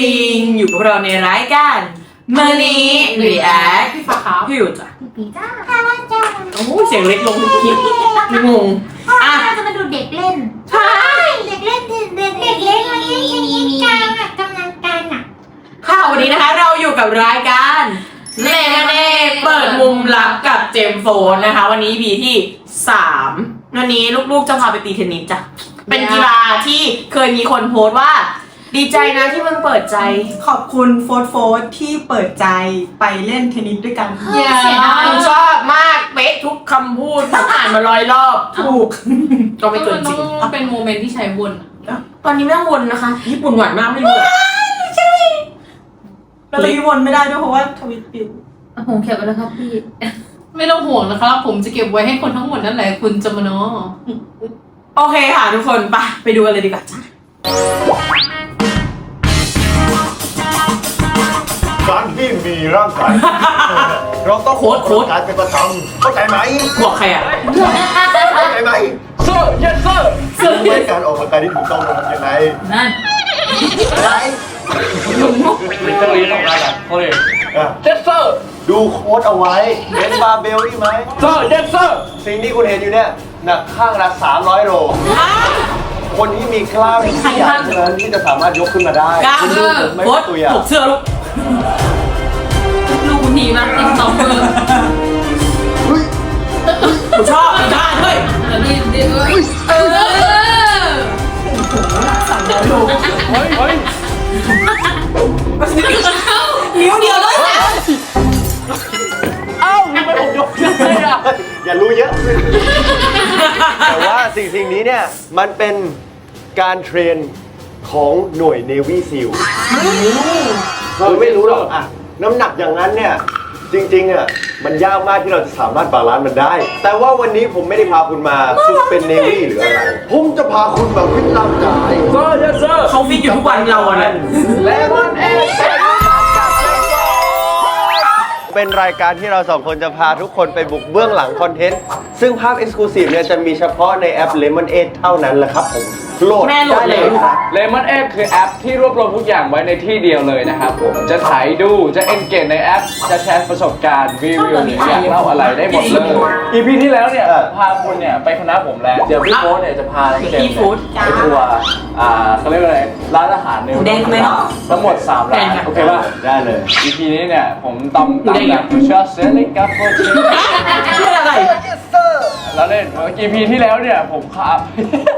ริงอยู่กับเราในรายการมื้อนี้รีแอคพี่ฟ้าครับพี่อยู่จ้ะปีจ้าค่ะว่าจ้าโอ้เสียงเล็กลงทุกคลิปงงอ่ะเราจะมาดูเด็กเล่นใช่เด็กเล่นเด็กเล่นมันเล่นกันอ่ะกำลังกันอ่ะค่ะวันนี้นะคะเราอยู่กับรายการเลเน่เปิดมุมลับกับเจมส์โฟนนะคะวันนี้ EP ที่3วันนี้ลูกๆจะพาไปตีเทนนิสจ้ะเป็นกีฬาที่เคยมีคนโพสต์ว่า ดีใจนะที่มึงเปิดใจขอบคุณโฟร์โฟร์ที่เปิดใจไปเล่นเทนนิสด้วยกันเสียดายชอบมากเป๊ะทุกคำพูดผมอ่านมา100 รอบถูกก็ไม่เกินจริงต้องเป็นโมเมนต์ที่ใช้วนตอนนี้ไม่ต้องวนนะคะ ญี่ปุ่นหวานมากไม่รู้อะเราจะวนไม่ได้ด้วยเพราะว่าทวิตปิวผมเขียนไปแล้วครับพี่ไม่ต้องห่วงนะครับ ผมจะเก็บไว้ให้คนทั้งหมดนั่นแหละคุณจะมาเนาะโอเคค่ะทุกคนไปดูกันเลยดีกว่าจ้ะการที่มีร่างกายเราต้องออกกำลังกายเป็นประจำเข้าใจไหมบอกใครอ่ะเข้าใจไหมเซอร์ยันเซอร์รู้ไหมการออกกำลังกายที่ถูกต้องเราทำยังไงนั่นอะไรเป็นเจ้าลีของงานอ่ะเขาเลยอ่ะเจสเซอร์ดูโค้ดเอาไว้เล่นบาร์เบลได้ไหมเซอร์เจสเซอร์สิ่งที่คุณเห็นอยู่เนี่ยหนักข้างละ300 โลคนที่มีกล้ามที่ใหญ่เท่านั้นที่จะสามารถยกขึ้นมาได้กล้ามคุณดูผมไม่โค้เป็ดนตัวอย่างถูกเสื้อลูกลูกทีมากติ๊กต็อกเกอร์ผมชอบได้เฮ้ยแล้วนี่เออเฮ้ยเฮ้ยนิ้วเดียวเลยเอ้าทำไมผมยกได้อ่ะอย่ารู้เยอะ แต่ว่าสิ่งนี้เนี่ยมันเป็นการเทรนของหน่วย Navy SEAL เราไม่รู้หรอกอะน้ำหนักอย่างนั้นเนี่ยจริงๆอะมันยากมากที่เราจะสามารถบาลานซ์มันได้ แต่ว่าวันนี้ผมไม่ได้พาคุณมาฝึกเป็น Navy หรืออะไร ผมจะพาคุณมาฟิตร่างกายเซอร์เจสเซอร์เขาฟิตอยู่ทุกวันเราอะนะและมันเองเป็นรายการที่เราสองคนจะพาทุกคนไปบุกเบื้องหลังคอนเทนต์ ซึ่งภาพ Exclusive เนี่ยจะมีเฉพาะในแอป Lemonade เท่านั้นแหละครับผมโหลดแม่โหลดได้เลเลย ยครับเลมอนเอฟคือแอปที่รวบรวมทุกอย่างไว้ในที่เดียวเลยนะครับผมจะถ่ายดูจะเอนเกจในแอป จะแชร์ประสบการณ์รีวิวหรืออยากเล่าอะไรได้หมดเลย EP ที่แล้วเนี่ยพาคุณเนี่ยไปคณะผมแล้วเดี๋ยวพี่โค้ชเนี่ยจะพาเจมส์เนี่ยไปทัวร์เขาเรียกว่าอะไรร้านอาหารในทั้งหมด3 ร้านโอเคป่ะได้เลย EP นี้เนี่ยผมตำแบบเชอร์เซลิกาโฟชิชื่ออะไรแล้วเล่นEP ที่แล้วเนี่ยผมขับ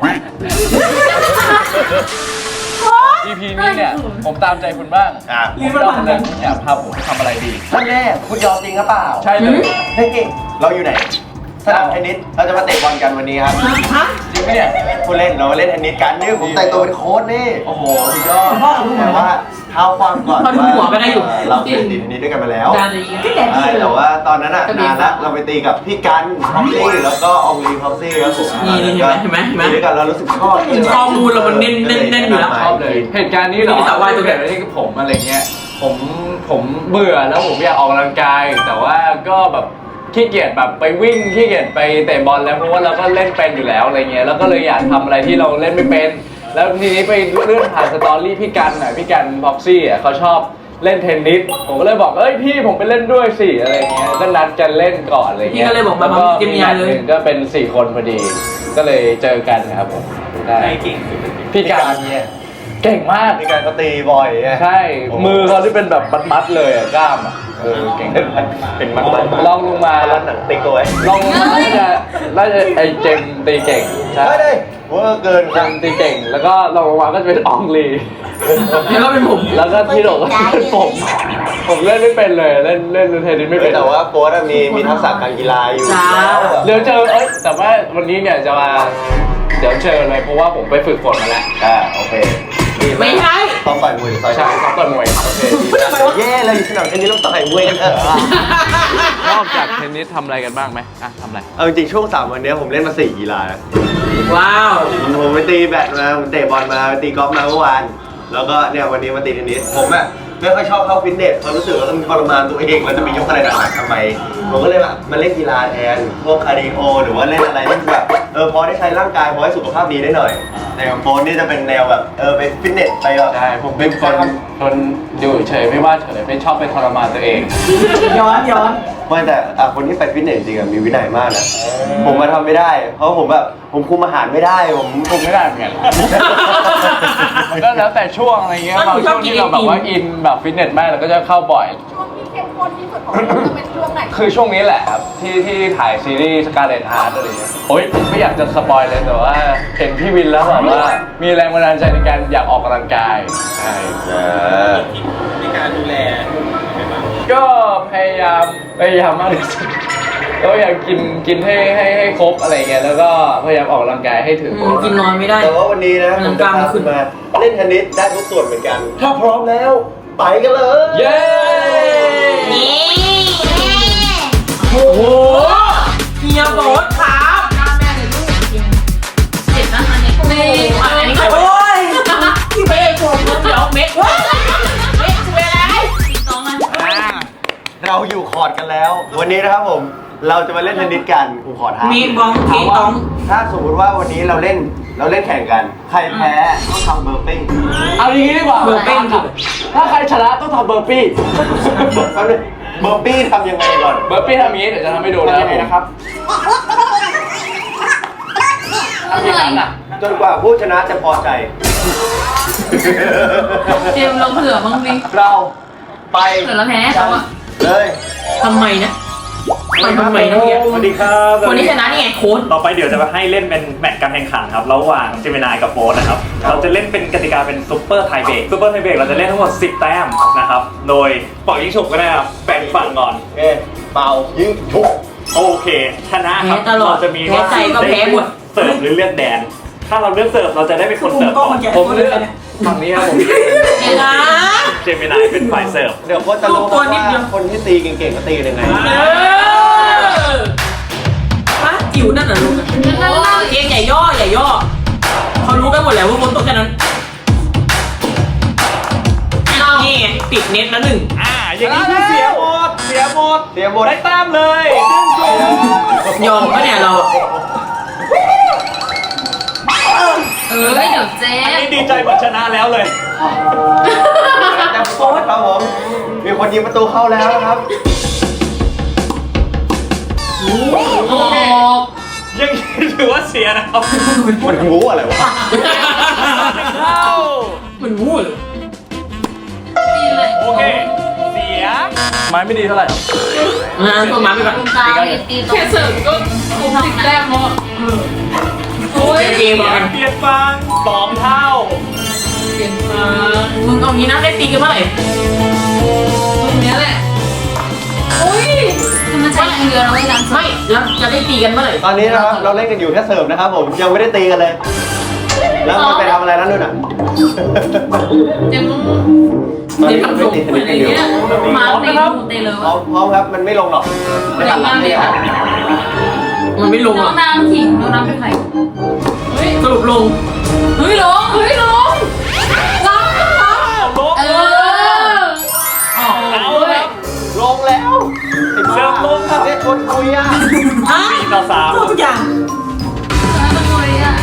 EP นี้เนี่ยผมตามใจคุณบ้างอ่ะผมยอมเลยคุณอยากพาผมทำอะไรดีท่านแน่คุณยอมจริงหรือเปล่าใช่เลยเฮ้ยเราอยู่ไหนสนามเทนนิสเราจะมาเตะบอลกันวันนี้ครับฮะจริงไหมเนี่ยผู้เล่นเรามาเล่นเทนนิสกันนี่ผมแต่งตัวเป็นโค้ชนี่โอ้โหสุดยอดแต่ว่าเท้าความก่อนพอดูหัวก็ได้อยู่เราเล่นเทนนิสด้วยกันมาแล้วจานอะไรอย่างเงี้ยใช่แต่ว่าตอนนั้นอ่ะนานละเราไปตีกับพี่กันพ็อกซี่แล้วก็อองลีพ็อกซี่ครับผมนี่เห็นไหมเห็นไหมตีด้วยกันเรารู้สึกชอบข้อมูลเรามันเน้นอยู่แล้วชอบเลย เหตุการณ์นี้เหรอมีสาววายตัวเดียวที่ผมอะไรเงี้ยผมเบื่อแล้วผมอยากออกกำลังกาย แต่ว่าก็แบบขี้เกียจแบบไปวิ่งขี้เกียจไปเตะบอลแล้วเพราะว่าเราก็เล่นเป็นอยู่แล้วอะไรเงี้ยแล้วก็เลยอยากทำอะไรที่เราเล่นไม่เป็น แล้วทีนี้ไปเลื่อนผ่านสตอรี่พี่กันพี่กันพ็อกซี่อ่ะเขาชอบเล่นเทนนิสผมก็เลยบอกเอ้ยพี่ผมไปเล่นด้วยสิอะไรเงี้ยก็นัดกันเล่นก่อนอะไรเงี้ยพี่ก็เลยบอกมาแล้วก็เตรียมมีงานนัดเลยหนึ่งก็เป็น4 คนพอดี ก็เลยเจอกันครับผมได้พี่กันเนี่ยเก่งมากพี่กันก็ตีบ่อยไงใช่ มือเขาที่เป็นแบบมัดๆเลยอ่ะกล้ามอ่ะเก่งเป็นมันๆลองลงมาแล้วหนังติ๊กเอาไว้ลองลงมาน่าจะไอเจมส์ตีเก่งใช่ไม่ได้เวอร์เกินเจมส์ตีเก่ง แล้วก็ลองลงมาก็จะเป็นอองลีแล้วก็เป็นผมแล้วก็ที่โดดก็เป็นผมเล่นไม่เป็นเลยเล่นเทนนิสไม่เป็นแต่ว่าโค้ชมีทักษะการกีฬาอยู่จ้าเดี๋ยวเจอแต่ว่าวันนี้เนี่ยจะมาเดี๋ยวเจอเลยเพราะว่าผมไปฝึกฝนมาแล้วโอเคดีากไม่ใช่ต้องต่อยมวยหรือต่อยใช่เขาต่อยมวยโอเคดีนะแย่เลยสนามเทนนิสต้องต่อยมวยกันเถอะนอกจากเทนนิสทำอะไรกันบ้างไหมทำอะไรเอาจริงๆช่วง3 วันนี้ผมเล่นมา4 กีฬานะว้าวผมไปตีแบดมาผมเตะบอลมาไปตีกอล์ฟมาเมื่อวานแล้วก็เนี่ยวันนี้มาตีเทนนิสผมไม่ค่อยชอบเข้าฟิตเนสเขารู้สึกว่ามันทรมานตัวเองเราจะไปยกอะไรหนักๆทำไมผมก็เลยแบบมาเล่นกีฬาแทนพวกคาร์ดิโอหรือว่าเล่นอะไรที่แบบพอได้ใช้ร่างกายพอให้สุขภาพดีได้หน่อยแต่ของโฟนนี่จะเป็นแนวแบบไปฟิตเนสไปแบบใช่ผมเป็นคนอยู่เฉยไม่ว่าเฉยไม่ชอบไปทรมานตัวเองย้อนไม่แต่คนที่ไปฟิตเนสจริงๆมีวินัยมากนะผมมาทำไม่ได้ เพราะผมคุมอาหารไม่ได้ผมไม่ได้เหมือนกันมันก็แล้วแต่ช่วงอะไรเงี้ยบางช่วงที่เราแบบว่าอินแบบฟิตเนสมากเราก็จะเข้าบ่อยช่วงที่เข้มข้นที่สุดของเราจะเป็นช่วงไหนคือช่วงนี้แหละครับที่ถ่ายซีรีส์ Scarlet Heart อะไรเงี้ยโอ๊ยไม่อยากจะสปอยเลยแต่ว่าเห็นพี่วินแล้วแบบว่ามีแรงบันดาลใจในการอยากออกกำลังกายใช่ในการดูแลก็พยายามมากที่สุดก็อยากกินให้ครบอะไรเงี้ยแล้วก็พยายามออกกำลังกายให้ถึงกินนอนไม่ได้แต่ว่าวันนี้นะผมจะพาคุณมาเล่นเทนนิสได้ทุกส่วนเหมือนกัน ถ้าพร้อมแล้วไปกันเลยเย้นี่ โอ้โหเฮียโบ๊ทครับหน้าแม่เลยลูกจริงเจ็บนะอันนี้ก็นี่อันนี้ใครโอ้ยพี่เมย์ผมเดี๋ยวเมย์ว้าเมย์ช่วยอะไรติดต่อมาเราอยู่คอร์ดกันแล้ว วันนี้นะครับผมเราจะมาเล่นเทนนิสกันผมขอท้ามีบองทีตองถ้าสมมติว่าวันนี้เราเล่นแข่งกัน ใครแพ้ต้องทำเบอร์ปิ้งเอาอย่างนี้ดีกว่าถ้าใครชนะต้องทำเบอร์ปี้แป๊บนึงเบอร์ปี้ทำยังไงก่อนเบอร์ปี้ทำอย่างนี้เดี๋ยวจะทำให้ดูนะนะครับทำอย่างนั้นอ่ะจนกว่าผู้ชนะจะพอใจเตรียมลงเผื่อบ้างดิเราไปเผื่อเราแพ้เขาอะเลยทำไมนะทำไมนะเนี่ยสวัสดีครับคนที่ชนะนี่ไงโค้ดต่อไปเดี๋ยวจะมาให้เล่นเป็นแมตช์การแข่งขันครับระหว่างเจมินายกับโฟนนะครับ เราจะเล่นเป็นกติกาเป็นซุปเปอร์ไทเบรกซุปเปอร์ไทเบรกเราจะเล่นทั้งหมด10 แต้มนะครับ โดยปล่อยยิงฉุบก็ได้ครับแบ่งฝั่งก่อนเป่ายิงทุกโอเค ชนะครับแพ้ตลอดเราจะมีแพ้ใจก็แพ้หมดเสิร์ฟหรือเลือกแดน ถ้าเราเลือกเสิร์ฟเราจะได้เป็นคนมุเสิมร์ฟกล้องก่อมัน นแกะผมเลือกฝั่งนี้ครับผมเดี๋ยวนะเจมินายเป็นฝ่ายเสิร์ฟเดี๋ยวโค้ชจะรู้ตัวนิดว่าเดียวคนที่ตีเก่งๆก็ตียังไงป้าจิ๋วนั่นน่ะลูกเองอย่าย่ออย่าย่อเขารู้กันหมดแล้วว่าบนโต๊ะแค่นั้นนี่ไงติดเน็ตแล้วหนึ่งอย่างนี้คือเสียหมดเสียหมดได้แต้มเลย1-0 ยอมปะเนี่ยเราไม่เดี๋ยวเจ๊อันนี้ดีใจเหมือนชนะแล้วเลยจะโค้ชครับผมมีคนยิงประตูเข้าแล้วนะครับโอ้ยังถือว่าเสียนะครับมันงูอะไรวะเข้ามันวู้เลยดีเลยโอเค เสีย ไม้ไม่ดีเท่าไหร่ตัวมาไปก่อนตรงกลางเลยตีตรงแค่เสิร์ฟก็คง10 แต้มแล้วอะโอ้ยเกมเหมือนกันเปลี่ยนฟัง2 เท่าเปลี่ยนมามึงเอางี้นะได้ตีกันเมื่อไหร่ตรงเนี้ยแหละอุ้ยมันใช้เรือเราไม่ล้างไม่แล้วจะได้ตีกันเมื่อไหร่ตอนนี้นะครับเราเล่นกันอยู่แค่เสิร์ฟนะครับผมยังไม่ได้ตีกันเลย แล้วมันไปทำอะไรนั่นด้วยน่ะยังตอนนี้มันไม่ตีเทนนิสกันอยู่มาตีหูเตะเลยพร้อมครับมันไม่ลงหรอกเดี๋ยวมาเลยค่ะมันไม่ลงน้หรออง กน้ำขิงน้องน้ำเป็นใครสรุปลงเฮ้ยลงเฮ้ยลงลงลบเออเอาเลยลงแล้วไอ้เสิบ้าร์ฟลงครับเนี่ยชวนคุยอ่ะ 4-3 ทุกอย่างต้องคุยอ่ะ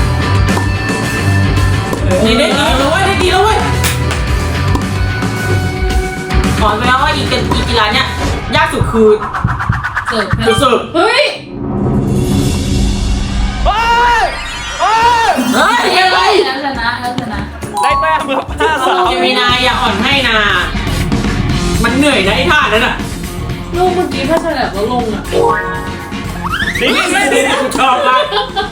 นี่ได้ตีแล้วเว้ยได้ตีแล้วเว้ยขอไปแล้วว่าอีกีฬาเนี้ยยากสุดคือเสิร์ฟเสิร์ฟเฮ้ยเฮ้ยเย้ยังไงแล้วชนะแล้วชนะได้แต้มครับเจมินายอย่าอ่อนให้นา มันเหนื่อยนะไอ้ท่านั้นอ่ะลูกเมื่อกี้ถ้าฉลับแล้วลงอ่ะ 3นี่กูชอบมาก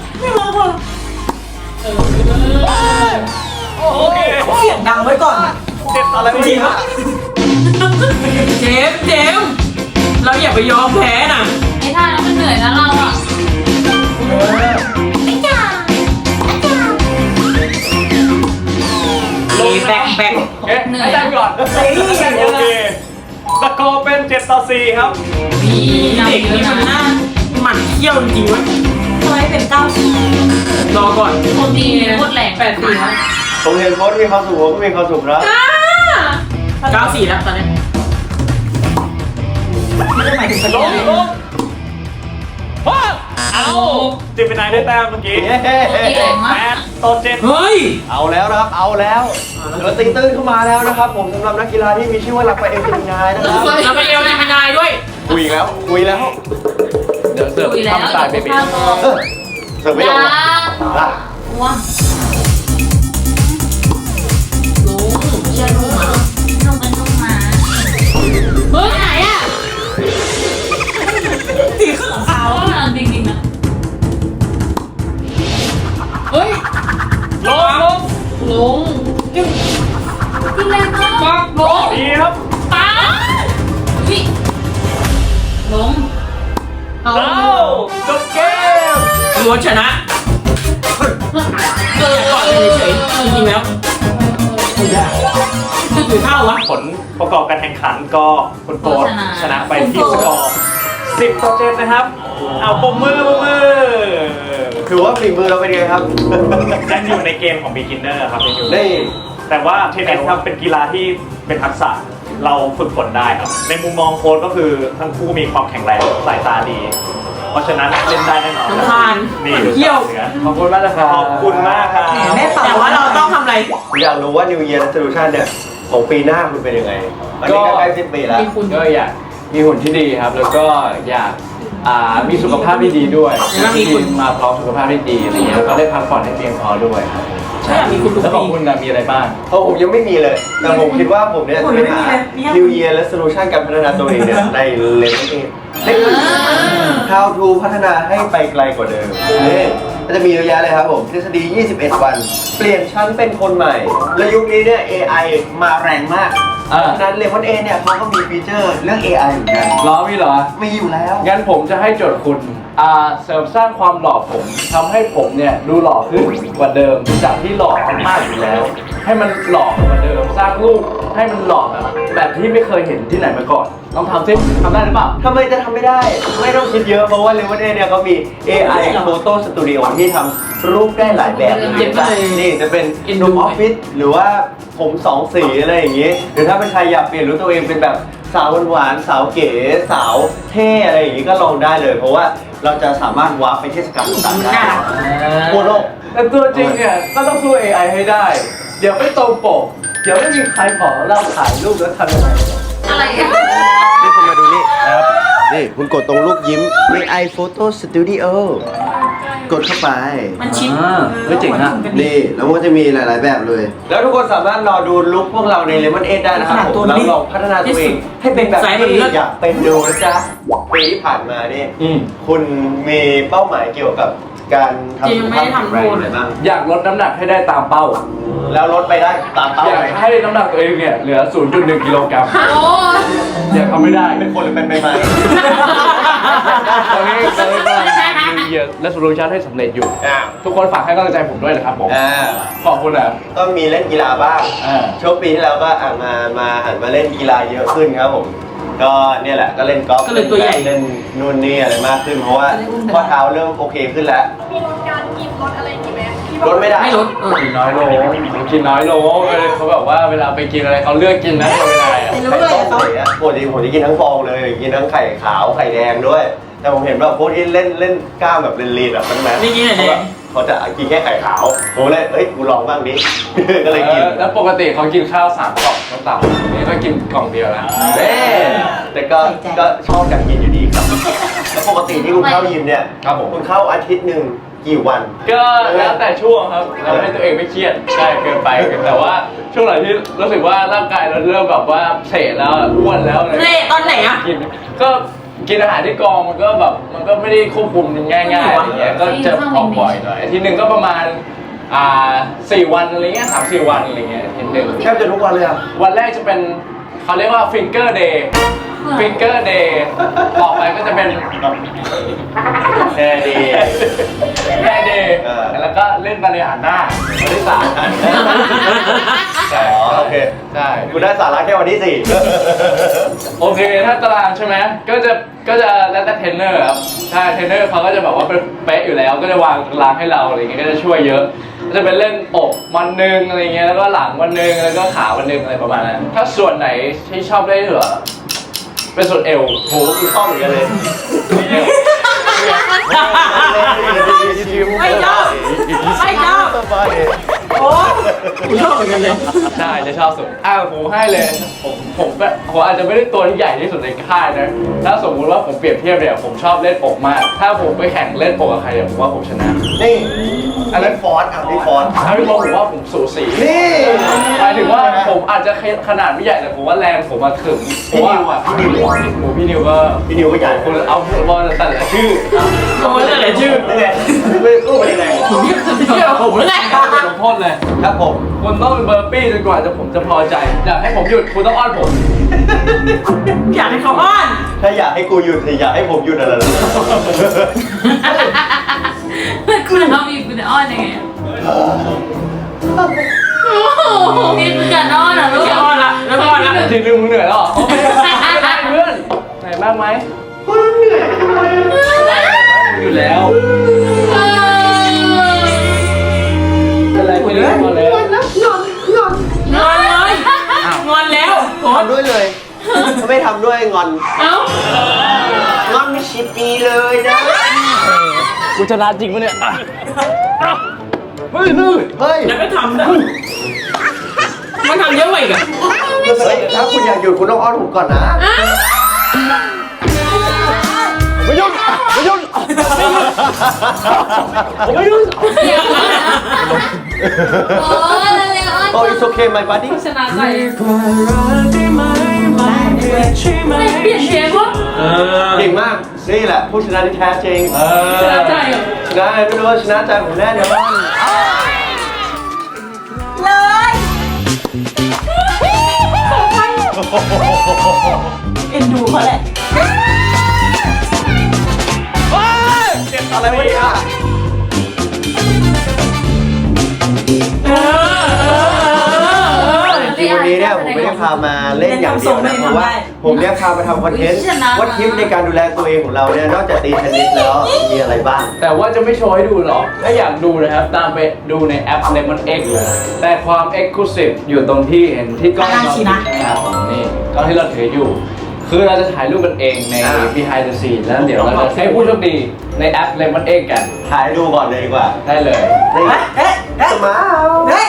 โอเคเสียงดังไว้ก่อนเจ็บอะไรจริงครับเจมส์เราอย่าไปยอมแพ้นะไอ้ท่านั้นมันเหนื่อยนะเราอ่ะไม่จ้าแบกเอ๊ะให้แต้มก่อนโอเคสกอร์เป็น7-4ครับเด็กนี่มันน่าหมั่นเที่ยวจริงๆวะทำไมเป็น90 รอก่อนโคตรดีโคตรแรง 8-4ครับผมเห็นโค้ชมีความสุขผมก็มีความสุขแล้วไป 94แล้วตอนนี้ไม่ได้หมายถึงสลนุงลงว้าเอาเจมินายได้แต้มเมื่อกี้เย้ 8-7 เฮ้ยเอาแล้วนะครับ เอาแล้วเราตีตื้นเข้ามาแล้วนะครับ ผมสำหรับนักกีฬาที่มีชื่อว่าลักไปเอลจิมินายนะครับเราไปเอลในมินายด้วยคุยอีกแล้วคุยแล้วเดี๋ยวเสิร์ฟทำสายเบบีเออเสิร์ฟไม่ลงหรอกอ่ะว้าลุงเชื่อลูกมาลงเป็นลูกมาเฮ้ยไหนอ่ะตีขึ้นหลังคาเอาอ่ะจริงๆนะเฮ้ยลงลงลุงที่แรกก็ปักลงดีครับป้าวิลงเอาเอาจบเกมล้วนชนะเออก่อนเลยเฉยๆจริงๆแล้วหรือเท่าวะผลประกอบการแข่งขันก็คุณโปรดชนะไปที่สกอร์10-7นะครับ เอาปมมือถือว่าฝีมือเราเป็นไงครับยังอยู่ในเกมของ beginner ครับยังอยู่ได้แต่ว่าเทนนิสครับเป็นกีฬาที่เป็นทักษะเราฝึกฝนได้ครับ ในมุมมองโค้ชก็คือทั้งคู่มีความแข็งแรงสายตาดี เพราะฉะนั้นเล่นได้แน่นอนน้ำตาลนี่เที่ยวขอบคุณมากนะครับขอบคุณมากครับแม่เป่าแต่ว่าเราต้องทำอะไรผมอยากรู้ว่า New Year Resolution เนี่ยของปีหน้าคุณเป็นยังไงอันนี้ก็ใกล้สิ้นปีแล้วมีคุณก็อยากมีหุ่นที่ดีครับ แล้วก็อยากมีสุขภาพที่ดีด้วยแล้วมีคุณมาพร้อมสุขภาพที่ดีอะไรเงี้ยแล้วก็ได้พักผ่อนให้เพียงพอด้วยครับใช่อยากมีคุณทุกแล้วของปีคุณนะมีอะไรบ้างเพราะผมยังไม่มีเลย แต่ผมคิดว่าผมเนี่ยจะไปหา New Year Resolution การพัฒนาตัวเองเนี่ยในเลนส์เองเล็ก How to พัฒนาให้ไปไกลกว่าเดิมนี่ก็จะมีเยอะแยะเลยครับผมทฤษฎี 21 วัน เปลี่ยนชั้นเป็นคนใหม่ และยุคนี้เนี่ย AI มาแรงมากอ่าฉะนั้นเลมอนเอเนี่ยเขาก็มีฟีเจอร์เรื่อง AI เหมือนกันล้อมีเหรอมีอยู่แล้วงั้นผมจะให้โจทย์คุณเสริมสร้างความหล่อผมทำให้ผมเนี่ยดูหล่อขึ้นกว่าเดิมจากที่หล่อมากอยู่แล้ว ให้มันหล่อกว่าเดิม สร้างรูปให้มันหล่อแบบที่ไม่เคยเห็นที่ไหนมาก่อนลองทำซิทำได้หรือเปล่าทำไมจะทำไม่ได้ ไม่ต้องคิดเยอะ เพราะว่าเลมอนเอเนี่ยเขามี AI Photo Studio ที่ทำรูปได้หลายแบบเลยนะนี่จะเป็นรูปออฟฟิศหรือว่าผมสองสีอะไรอย่างงี้ หรือถ้าเป็นใครอยากเปลี่ยนรูปตัวเองเป็นแบบสาวหวานๆสาวเก๋สาวเท่อะไรอย่างงี้ก็ลองได้เลย เพราะว่าเราจะสามารถวาร์ปไปเทศกาลต่างๆได้ทั่วโลกแต่ตัวจริงเนี่ยก็ต้องสู้ AI ให้ได้ เดี๋ยวไม่ตรงปก เดี๋ยวไม่มีใครขอเราถ่ายรูปแล้วทำยังไงอะไรอ่ะนี่คุณมาดูนี่นะครับ นี่คุณกดตรงรูปยิ้ม AI Photo Studio กดเข้าไปมันชิปเฮ้ยเจ๋งนะนี่แล้วมันก็จะมีหลาย ๆ แบบเลย แล้วทุกคนสามารถรอดูลุคพวกเราใน Lemon 8ได้นะครับผมแล้วลองพัฒนาตัวเองให้เป็นแบบที่อยากเป็นดูนะจ๊ะปีที่ผ่านมานี่อืมคุณมีเป้าหมายเกี่ยวกับการทำสุขภาพแข็งแรงอะไรบ้างอยากลดน้ำหนักให้ได้ตามเป้าแล้วลดไปได้ตามเป้าอยากไหมให้น้ำหนักตัวเองเนี่ยเหลือ 0.1 กิโลกรัมโอ้อยากทำไม่ได้เป็นคนหรือเป็นใบไม้ตอนนี้เรากำลังมีเยอะและสรุปชันให้สำเร็จอยู่ ทุกคนฝากให้กำลังใจผมด้วยนะครับผม ขอบคุณนะก็มีเล่นกีฬาบ้าง ช่วงปีที่แล้วก็มาหันมาเล่นกีฬาเยอะขึ้นครับผม ก็เนี่ยแหละก็เล่นกอล์ฟก็เลยตัวใหญ่เล่นนู่นนี่อะไรมากขึ้นเพราะว่าข้อเท้าเริ่มโอเคขึ้นแล้วมีลดการกินลดอะไรอย่างงี้ไหมที่ลดไม่ได้ไม่ลดกินน้อยลงกินน้อยลงเขาแบบว่าเวลาไปกินอะไรเขาเลือกกินนะไม่ได้อะรู้เลยเขาปกติผมจะกินทั้งฟองเลย กินทั้งไข่ขาวไข่แดงด้วย แต่ผมเห็นแบบพวกที่เล่นกล้ามแบบลีนๆแบบนั้นไม่กินอะไรเขาจะกินแค่ไข่ขาวผมเลยเอ้ยกูลองบ้างดิ ก็เลยกินแล้วปกติเขากินข้าว3 กล่องก็ต่ำนี่ก็กินกล่องเดียวแล้วแต่ก็ชอบอยากกินอยู่ดีครับ แล้วปกติที่คุณเข้ายิมเนี่ยครับผมคุณเข้าอาทิตย์หนึ่งกี่วันก็แล้วแต่ช่วงครับเราให้ตัวเองไม่เครียดใช่เกินไปแต่ว่าช่วงไหนที่รู้สึกว่าร่างกายเราเริ่มแบบว่าเสะแล้วอ้วนแล้วอะไรเละตอนไหนอะกินก็กินอาหารที่กองมันก็แบบมันก็ไม่ได้ควบคุมง่ายๆอย่างเงี้ยก็จะออกบ่อยหน่อยอาทิตย์หนึ่งก็ประมาณ4 วันอะไรเงี้ย3-4 วันอะไรเงี้ยอาทิตย์หนึ่งแทบจะทุกวันเลยอ่ะวันแรกจะเป็นเขาเรียกว่าฟิงเกอร์เดย์ฟิงเกอร์เดย์ต่อไปก็จะเป็นแน่ดีแม่เดย์แล้วก็เล่นบริหารหน้าวันที่ 3 ใช่อ๋อโอเคใช่คุณได้สาระแค่วันที่โอเคถ้าตารางใช่ไหมก็จะแล้วแต่เทรนเนอร์ครับใช่เทรนเนอร์เขาก็จะแบบว่าเป็นเป๊ะอยู่แล้วก็จะวางตารางให้เราอะไรเงี้ยก็จะช่วยเยอะก็จะเป็นเล่นอกวันหนึ่งอะไรเงี้ยแล้วก็หลังวันหนึ่งแล้วก็ขาวันหนึ่งอะไรประมาณนั้นถ้าส่วนไหนที่ชอบได้เหรอเป็นส่วนเอว 4โหคุณชอบเหมือนกันเลยไม่ชอบไม่ชอบโอ้กูชอบเหมือนกันเลยใช่จะชอบสุดผมให้เลยผมอาจจะไม่ได้ตัวที่ใหญ่ที่สุดในค่ายนะถ้าสมมุติว่าผมเปรียบเทียบเนี่ยผมชอบเล่นอกมากถ้าผมไปแข่งเล่นอกกับใครเนี่ยผมว่าผมชนะนี่อันนั้นฟอสอ่ะนี่ฟอสถ้าพี่บอกผมว่าผมสูสีนี่หมายถึงว่าผมอาจจะขนาดไม่ใหญ่แต่ผมว่าแรงผมมาถึงพี่นิวอ่ะพี่นิวพี่นิวก็พี่นิวก็ใหญ่คุณเอาบอลแต่ละชื่อโอ้ยแต่ชื่อนี่ไงไม่รู้เป็นยังไงเชื่อผมแล้วแหละลงโทษเลยครับผมคุณต้องเป็นเบอร์ปี้จนกว่าผมจะพอใจอยากให้ผมหยุดคุณต้องอ้อนผมอยากให้เขาอ้อนถ้าอยากให้กูหยุดอยากให้ผมหยุดอะไรล่ะคุณทำอีกคุณจะอ้อนยังไงนี่คือการอ้อนเหรอลูกอ้อนละแล้วอ้อนละทีนึงมึงเหนื่อยแล้วเหรอโอเคไม่ได้เพื่อนเหนื่อยบ้างไหมอยู่แล้วเป็นไรคุณเล่นมาแล้วงอนเลยงอนแล้วโอ้ทำด้วยเลยถ้าไม่ทำด้วยงอนเอ้างอนไม่ชิปีเลยนะกูชนะจริงปะเนี่ยเฮ้ยเฮ้ยแล้วก็ทำนะมันทำเยอะกว่าอีกอะเฮ้ยถ้าคุณอยากหยุดคุณต้องอ้อนผมก่อนนะไม่หยุดไม่หยุดไม่หยุดโอ้ยเร็วๆอ้อนโอ้ it's okay my buddy ชนะใจไม่เปลี่ยนเพลงวะเก่งมากนี่แหละผู้ชนะที่แท้จริงชนะใจเหรอชนะไม่รู้ว่าชนะใจผมแน่นอนเลยเอ็นดูเขาแหละอะไรวะเนี่ยจริงๆวันนี้เนี่ยผมไม่ได้พามาเล่นอย่างเดียวนะเพราะว่าผมเนี่ยพามาทำคอนเทนต์ว่าทิปในการดูแลตัวเองของเราเนี่ยนอกจากตีเทนนิสแล้วมีอะไรบ้างแต่ว่าจะไม่โชว์ให้ดูหรอก ถ้าอยากดูนะครับ ตามไปดูในแอป Lemon X เลย แต่ความ Exclusive อยู่ตรงที่เห็นที่กล้องเราครับผมนี่กล้องที่เราถืออยู่ คือเราจะถ่ายรูปกันเองใน Behind the Scene แล้วเดี๋ยวเราจะให้ผู้โชคดีในแอป Lemon X กันถ่ายดูก่อนเลยดีกว่าได้เลยนี่สมาร์เฮ้ย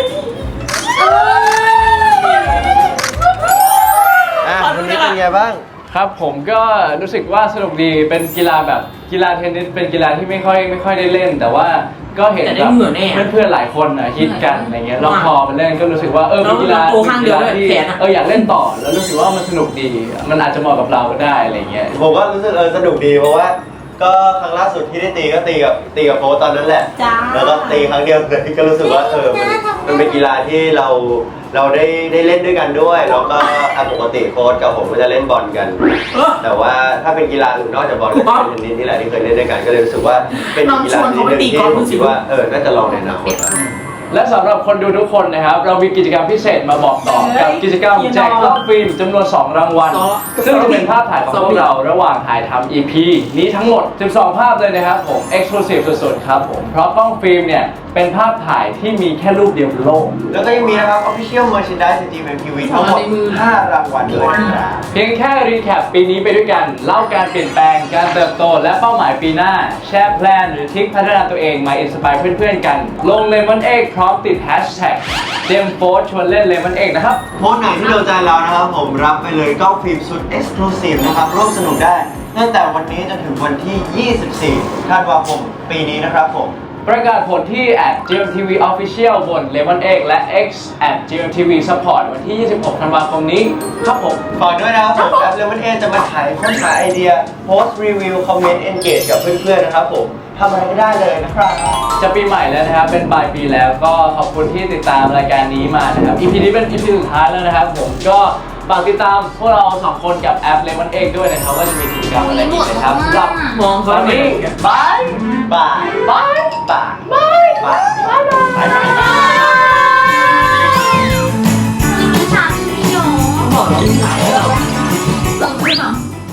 วันนี้เป็นไงบ้างครับผมก็รู้สึกว่าสนุกดีเป็นกีฬาแบบกีฬาเทนนิสเป็นกีฬาที่ไม่ค่อยได้เล่น แต่ว่าก็เห็นแบบเพื่อนๆหลายคนฮิตกันอะไรเงี้ยลองพอมาเล่นก็รู้สึกว่าเป็นกีฬาที่อยากเล่นต่อแล้วรู้สึกว่ามันสนุกดีมันอาจจะเหมาะกับเราก็ได้อะไรเงี้ยผมก็รู้สึกสนุกดีเพราะว่าก็ครั้งล่าสุดที่ได้ตีก็ตีกับโฟตอนนั้นแหละจ้าแล้วก็ตีครั้งเดียวเลยก็รู้สึกว่ามันเป็นกีฬาที่เราได้เล่นด้วยกันด้วยแล้วก็ปกติโค้ชกับผมก็จะเล่นบอลกัน แต่ว่าถ้าเป็นกีฬาอื่นนอกจากบอลก็เป็นเทนนิสนี่แหละที่เคยเล่นด้วยกันก็เลยรู้สึกว่าเป็นกีฬาที่หนึ่งที่ผมคิดว่าน่าจะลองในอนาคตและสำหรับคนดูทุกคนนะครับเรามีกิจกรรมพิเศษมาบอกต่อกับกิจกรรมแจกกล้องฟิล์มจำนวน 2 รางวัลซึ่งจะเป็นภาพถ่ายของพวกเราระหว่างถ่ายทำ EP นี้ทั้งหมด 12 ภาพเลยนะครับผม Exclusive สุดๆครับผมเพราะกล้องฟิล์มเนี่ยเป็นภาพถ่ายที่มีแค่รูปเดียวบนโลกแล้วก็ยังมีนะครับ Official Merchandise GMMTV ทั้งหมด5 รางวัลเลยนะครับเพียงแค่รีแคปปีนี้ไปด้วยกันเล่าการเปลี่ยนแปลงการเติบโตและเป้าหมายปีหน้าแชร์แพลนหรือทริคพัฒนาตัวเองมาอินสปายเพื่อนๆกันลง Lemon X พร้อมติด Hashtag เจมโฟร์ชวนเล่น Lemon X นะครับโพสต์ไหนที่โดนใจเรานะครับผมรับไปเลยกล้องฟิล์มสุด Exclusive นะครับร่วมสนุกได้ตั้งแต่วันนี้จนถึงวันที่ 24 ธันวาคมปีนี้นะครับผมประกาศผลที่ @GMTV Official บน Lemon X และ X @GMTV Support วันที่ 26 ธันวาคมนี้ครับผมฝากด้วยนะครับผมแอป Lemon A จะมาขายค้นหาไอเดียโพสต์รีวิวคอมเมนต์ engage กับเพื่อนๆนะครับผมทำอะไรก็ได้เลยนะครับจะปีใหม่แล้วนะครับ เป็นปลายปีแล้วก็ขอบคุณที่ติดตามรายการนี้มานะครับ EP นี้เป็น EP สุดท้ายแล้วนะครับผมก็ฝากติดตามพวกเรา2คนกับแอป Lemon X ด้วยนะครับว่าจะมีกิจกรรมอะไรอีกนะครับสำหรับมองเขาวันไม่นี้เห็นบายบายบายบายบายบายบายเหรอลองขึ้นเหรอ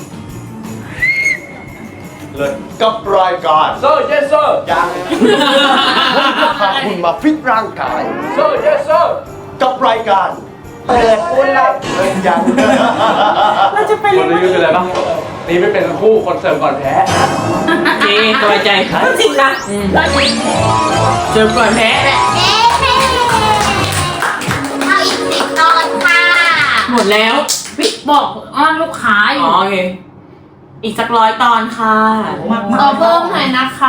เลยกับรายการโซ่ yes sir ยังพาคุณมาฟิตร่างกายโซ่ yes sir กับรายการเปิดอุลับเล่นยังเราจะไปคนเล่นนี้เป็นอะไรบ้างนี่ไม่เป็นทั้งคู่คนเสริมก่อนแพ้เจ๊สบายใจจริงนะเราจะเจอก่อนแพ้แหละเอ๊ะเอาอีก10 ตอนค่ะหมดแล้วพี่บอกอ้อนลูกค้าออ๋อยู่ โอเค อีกสัก100 ตอนค่ะขอเพิ่มหน่อยนะคะ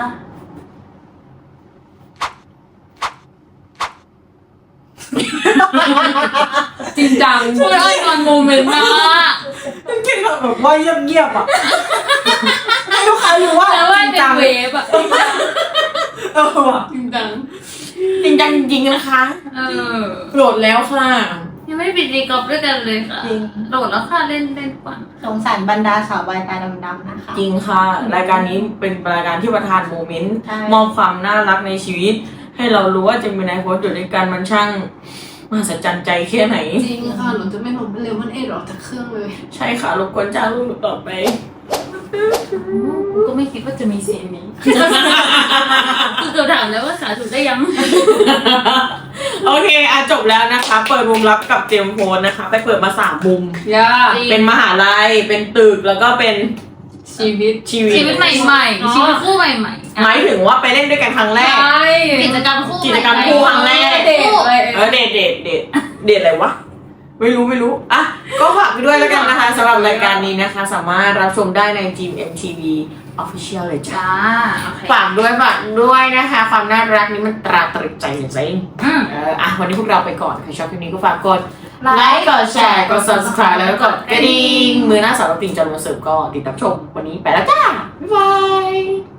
จริงจังช่วยอ้อนนอนโมเมนต์นะกินแบบว่าเงียบๆอ่ะให้ลูกค้ารู้ว่าแล้วว่าจริงเป็นจังเวฟอะว่ะจริงจังจริงจังจริงๆนะคะ โหลดแล้วค่ะยังไม่ได้ปิดรีกอล์ฟด้วยกันเลยค่ะโหลดแล้วค่ะเล่นก่อนสงสารบรรดาสาวใบตาดำๆนะคะจริงค่ะ รายการนี้เป็นรายการที่ประทานโมเมนต์ใช่มอบความน่ารักในชีวิต ให้เรารู้ว่าจะมีนายโพสต์อยู่ด้วยกันมันช่างมหัศจรรย์ใจแค่ไหนจริงค่ะหนูจะไม่หลงเร็วมันเอ็ดออกจากเครื่องเลยใช่ค่ะรบกวนจ้างลูกต่อไปก็ไม่คิดว่าจะมีเสียงนี้ คือเกือบถามแล้วว่าสาธุได้ยังโอเคจบแล้วนะคะ เปิดมุมลับกับเจมส์โฟนนะคะ ไปเปิดมา3 มุมย่าเป็นมหาลัย เป็นตึก แล้วก็เป็นชีวิตชีวิตชีวิตใหม่ๆ ชีวิตคู่ใหม่ๆหมายถึงว่าไปเล่นด้วยกันครั้งแรกใช่กิจกรรมคู่กิจกรรมคู่ครั้งแรกเด็กเลยเดทอะไรวะ ไม่รู้อ่ะก็ฝากไปด้วยแล้วกันนะคะสำหรับรายการนี้นะคะ สามารถรับชมได้ใน GMMTV Official เลยจ้าจ้าโอเคฝากด้วยนะคะ ความน่ารักนี้มันตราตรึงใจจริงอืมวันนี้พวกเราไปก่อนใครชอบคลิปนี้ก็ฝากกดไลค์กดแชร์กด subscribe แล้วก็กดกระดิ่งมือหน้าสาวปิงจอมมาเสิร์ฟก็ติดตามชมวันนี้ไปแล้วจ้า บ๊ายบาย